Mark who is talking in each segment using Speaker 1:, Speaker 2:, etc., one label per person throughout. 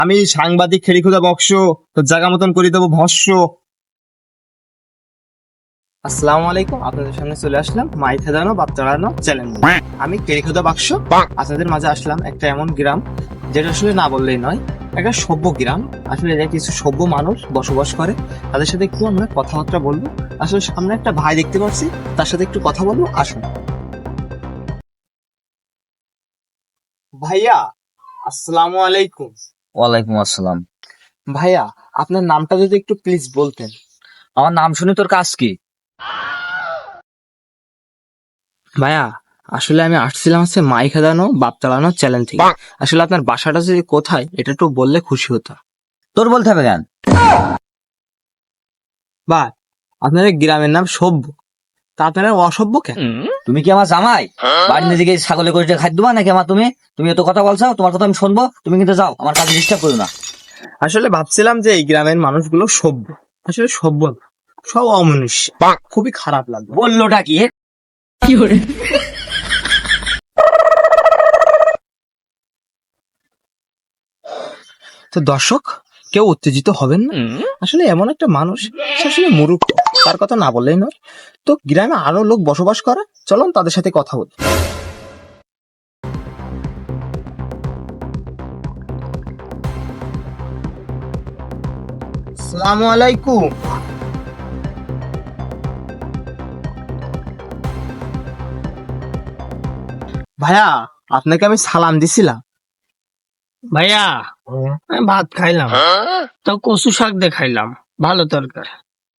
Speaker 1: আমি সাংবাদিক খেলিখুদা বক্স, তোর জায়গা মতন করে দেবো ভস্য। আসসালামু আলাইকুম, আপনাদের সামনে চলে আসলাম মাই খেদানো বাপ চালানো চ্যালেঞ্জ। আমি খেলিখুদা বাক্স আপনাদের মাঝে আসলাম একটা এমন গ্রাম যেটা আসলে না বললেই নয়, একটা সভ্য গ্রাম। আসলে এটা কিছু সভ্য মানুষ বসবাস করে, তাদের সাথে একটু আমরা কথাবার্তা বলবো। আসলে সামনে একটা ভাই দেখতে পাচ্ছি, তার সাথে একটু কথা বলবো, আসুন। ভাইয়া আসসালামু আলাইকুম।
Speaker 2: ওয়ালাইকুম আসসালাম।
Speaker 1: ভাইয়া আপনার নামটা যদি একটু প্লিজ বলতেন।
Speaker 2: আমার নাম শুনে তোর কাজ কি?
Speaker 1: ভাইয়া আসলে আমি আসছিলাম হচ্ছে মাই খেদানো বাপ চালানো চ্যালেঞ্জ থেকে। আসলে আপনার বাসাটা যদি কোথায় এটা একটু বললে খুশি হতাম।
Speaker 2: তোর বলতে হবে কেন?
Speaker 1: বা আপনার এই গ্রামের নাম সভ্য, তা আপনারা অসভ্য কেন?
Speaker 2: তুমি কি আমার জামাই? বাড়ি নিজে গিয়ে ছাগলে করে খাদ্য দেবা নাকি আমার? তুমি তুমি এত কথা বলছো, তোমার কথা আমি শুনবো। তুমি কিন্তু যাও, আমার কাছে ডিস্টার্ব করো না।
Speaker 1: আসলে ভাবছিলাম যে এই গ্রামের মানুষগুলো সভ্য, আসলে সভ্য না, সব অমনুষ্য, খুবই খারাপ লাগলো।
Speaker 2: বললোটা কি?
Speaker 1: তো দর্শক কেউ উত্তেজিত হবেন না, আসলে এমন একটা মানুষ, সে আসলে মূর্খ, তার কথা না বললেই নয়। তো গ্রামে আরো লোক বসবাস করে, চলুন তাদের সাথে কথা বলি। আসসালামু আলাইকুম। ভাইয়া আপনাকে আমি সালাম দিছিলাম।
Speaker 3: ভাইয়া আমি ভাত খাইলাম, তো কচু শাক দিয়ে খাইলাম, ভালো তরকারি।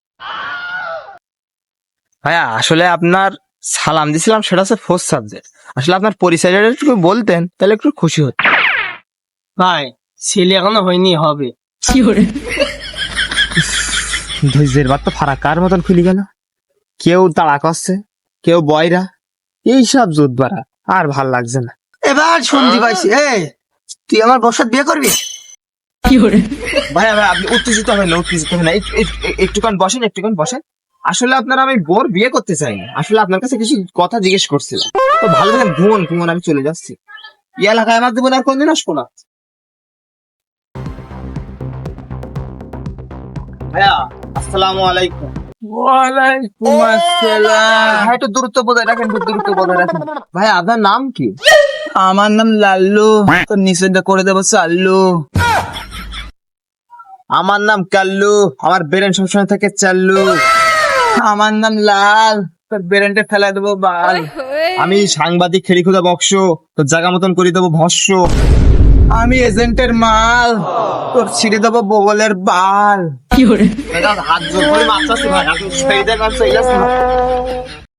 Speaker 1: ভাইয়া আসলে আপনার সালাম দিছিলাম, সেটা হচ্ছে ফোর্থ সাবজেক্ট। আসলে আপনার পরিচয়টা একটু বলতেন তাহলে একটু খুশি হতো।
Speaker 3: ভাই ছেলে এখনো হয়নি, হবে।
Speaker 1: ধৈর্যের বাদ তো ফারাকার মতন খুলে গেল। কেউ তাড়া করছে, কেউ বয়রা, এইসব জোট বাড়া আর ভাল লাগছে না।
Speaker 3: এবার শুনতে পাইছি, তুই আমার বসাত বিয়ে করবি?
Speaker 1: ভাইয়া ভাই আপনি উত্তেজিত হবেন না, উত্তেজিত হবেন না, একটুখান বসেন, একটুখান বসেন। আসলে আপনার আমি বোর বিয়ে করতে চাই না, আসলে আপনার কাছে কিছু কথা জিজ্ঞেস করছিলাম। তো ভালো থাকেন, ঘুমন ঘুমন, আমি চলে যাচ্ছি। এই এলাকায় আমার দেবেন আর কোনদিন আসবো না। ভাইয়া আসসালামু আলাইকুম।
Speaker 3: ওয়ালাইকুম আসসালাম।
Speaker 1: ভাই একটু দূরত্ব বজায় রাখেন, একটু দূরত্ব বজায় রাখেন। ভাই আপনার নাম কি?
Speaker 3: আমার নাম লাল্লু, তোর নিষেধ করে দেবো চাল্লু।
Speaker 1: আমার নাম কাল্লু, আমার বেরেন সবসময় থাকে চাল্লু।
Speaker 3: আমার নাম লাল, তোর বেরেন্টে ফেলা দেবো বাল।
Speaker 1: আমি সাংবাদিক খেলিখুদা বক্স, তোর জায়গা মতন করে দেবো ভস্য।
Speaker 3: আমি এজেন্টের মাল, তোর ছিঁড়ে দেবো বগলের বাল।
Speaker 1: হাত জোর করে মারতেছি ভাই, আপনি সেই জায়গায়